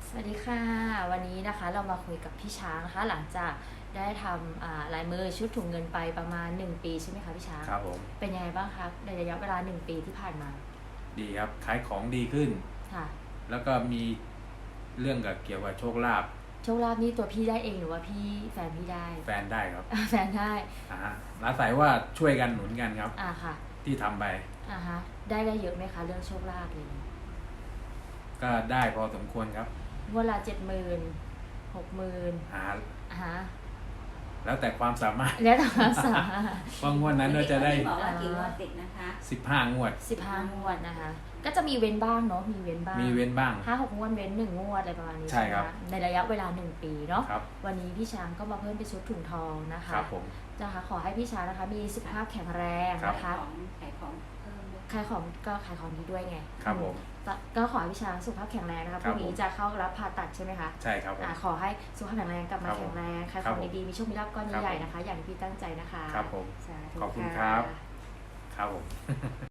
สวัสดีค่ะวันนี้นะคะเรามาคุยกับพี่ช้างนะคะหลังจากได้ทำลายมือชุดถุงเงินไปประมาณ1ปีใช่ไหมคะพี่ช้างครับผมเป็นยังไงบ้างครับในระยะเวลา1ปีที่ผ่านมาดีครับขายของดีขึ้นค่ะแล้วก็มีเรื่องเกี่ยวกับโชคลาภโชคลาภนี่ตัวพี่ได้เองหรือว่าพี่แฟนพี่ได้แฟนได้ครับแฟนได้อาศัยว่าช่วยกันหนุนกันครับค่ะที่ทำไปฮะได้เยอะไหมคะเรื่องโชคลาภเลยก็ได้พอสมควรครับงวดละ70,000 60,000 แล้วแต่ความสามารถแล้วแต่ความสามารถบางงวดนั้นก็จะได้บอกว่ากี่งวดติดนะคะ 15 งวด 15 งวดนะคะก็จะมีเว้นบ้างเนาะมีเว้นบ้าง5-6 งวดเว้น1 งวดอะไรประมาณนี้ใช่ครับในระยะเวลา1 ปีเนาะครับวันนี้พี่ช้างก็มาเพิ่มเป็นชุดถุงทองนะคะครับผมนะคะขอให้พี่ช้างนะคะมีสุขภาพแข็งแรงนะคะขายของเพิ่มด้วยขายของก็ขายของดีด้วยไงครับผมก็ขอให้พี่ช้างสุขภาพแข็งแรงนะคะพรุ่งนี้จะเข้ารับผ่าตัดใช่ไหมคะใช่ครับผมขอให้สุขภาพแข็งแรงกลับมาแข็งแรงขายของดีๆมีโชคมีลาภก้อนใหญ่ๆนะคะอย่างที่พี่ตั้งใจนะคะครับผมสาธุขอบคุณคค่ะรับครับผม